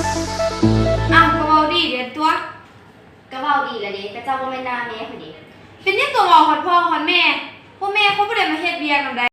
อ่ะก็เว้าดีเด็ดตัวก็เว้าดีละเด้ก็เจ้าบ่แม่นหน้าแม่พุ่นเด้เป็นยังตัวเว้าฮอดพ่อฮอดแม่พ่อแม่เขาบ่ได้มาเฮ็ดเวียกนำใด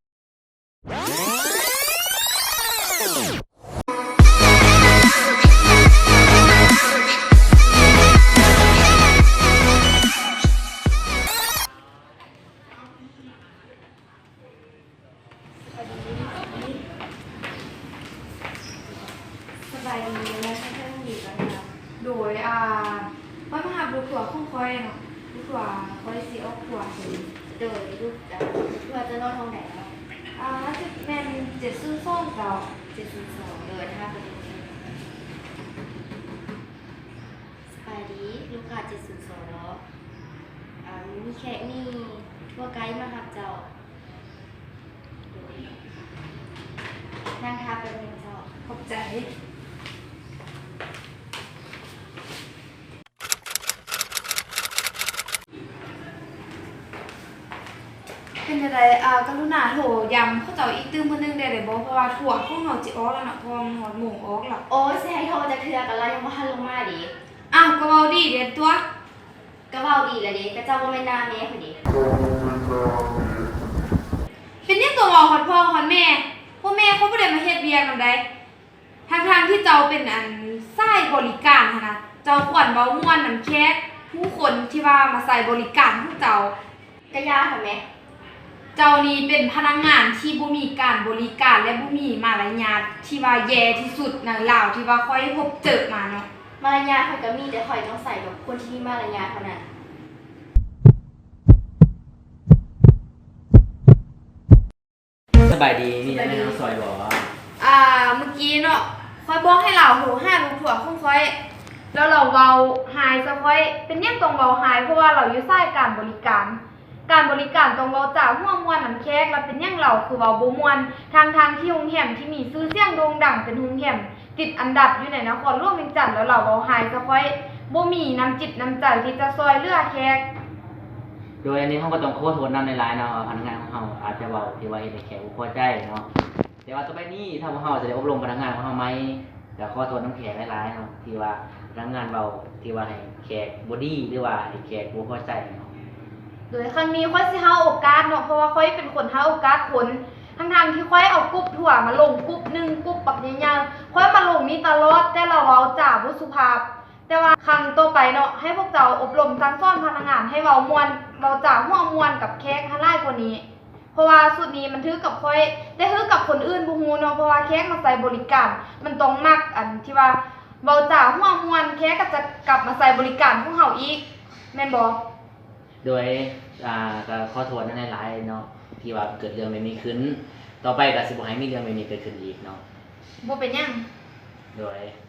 สบายดีนะท่านผู้ดีกันนะโดยว่ามาหาบุคคลของคอยเนาะบุคคลคอยสิออกขวดโดยลูกเพื่อจะนอนห้องไหนเนาะจะเป็น702เจ้า 702โดยนะคะเพิ่นสบายดีลูกค้า702เนาะมีแขกมีทัวร์ไกด์มารับเจ้าโดยนั่งทาเป็นหนึ่งเจ้าขอบใจเป็นจังไดกรุณาโทรย้ำเขาเจ้าอีกตื้มมื้อนึงได้บ่เพราะว่าถั่วของเฮาสิออกแล้วเนาะเพราะว่ามันฮอดโมงออกแล้วโอ้ยสิให้โทรจะเทื่อกันแล้วยังบ่ทันลงมาดิก็เว้าดีเด้ตัวก็เว้าดีละเด้ก็เจ้าบ่แม่นหน้าแม่พุ่นเด้เป็นยังตัวเว้าฮอดพ่อฮอดแม่พ่อแม่เขาบ่ได้มาเฮ็ดเวียกนำใดทางที่เจ้าเป็นสายบริการหั่นน่ะเจ้าควรเว้าม่วนนำแขกผู้คนที่ว่ามาใส่บริการของเจ้าก็ย่าค่ะแม่เจ้านี่เป็นพนักงานที่บ่มีการบริการและบ่มีมารยาทที่ว่าแย่ที่สุดในลาวที่ว่าค่อยพบเจอมาเนาะมารยาทข่อยก็มีแต่ข่อยต้องใส่กับคนที่มีมารยาทเท่านั้นสบายดีมีอะไรน้องซอยบอกเมื่อกี้เนาะค่อยบอกให้เราโหหาลูกถั่วของค่อยแล้วเราเว้าหายซะค่อยเป็นยังต้องเว้าหายเพราะว่าเราอยู่สายการบริการต้องเว้าจากหัวม่วนนำแขกแล้วเป็นยังเราคือเว้าบ่ม่วนทางที่โรงแรมที่มีชื่อเสียงโด่งดังเป็นโรงแรมติดอันดับอยู่ในนครหลวงเวียงจันทน์แล้วเราเว้าหายซะค่อยบ่มีน้ำจิตน้ำใจที่จะช่วยเหลือแขกโดยอันนี้เขาก็ต้องขอโทษนำในหลายเนาะพนักงานของเขาอาจจะเว้าที่ว่าเฮ็ดให้แขกบ่พอใจเนาะแต่ว่าต่อไปนี้ถ้าพวกเขาจะได้อบรมพนักงานของเขาไหมก็ขอโทษน้ำแขกหลายๆเนาะที่ว่าพนักงานเว้าที่ว่าให้แขกบ่ดีหรือว่าให้แขกบ่พอใจเนาะโดยครั้งนี้ค่อยสิหาโอกาสเนาะเพราะว่าค่อยเป็นคนหาโอกาสคนทั้งที่ค่อยเอากรุ๊ปถั่วมาลงกรุ๊ปนึงกรุ๊ปปักใหญ่ๆค่อยมาลงนี้ตลอดแต่เราเว้าจาบ่สุภาพแต่ว่าครั้งต่อไปเนาะให้พวกเจ้าอบรมสั่งสอนพนักงานให้เว้าม่วนเว้าจาหัวม่วนกับแขกให้หลายกว่านี้เพราะว่าสุดนี้มันถือกับค่อยแต่ถือกับคนอื่นบ่ฮู้เนาะเพราะว่าแขกมาใส่บริการมันต้องมักอันที่ว่าเว้าจาหัวม่วนแขกก็จะกลับมาใส่บริการของเฮาอีกแม่นบ่โดยก็ขอโทษในหลายๆเนาะที่ว่าเกิดเรื่องแบบนี้ขึ้นต่อไปก็สิบ่ให้มีเรื่องแบบนี้เกิดขึ้นอีกเนาะบ่เป็นหยังโดย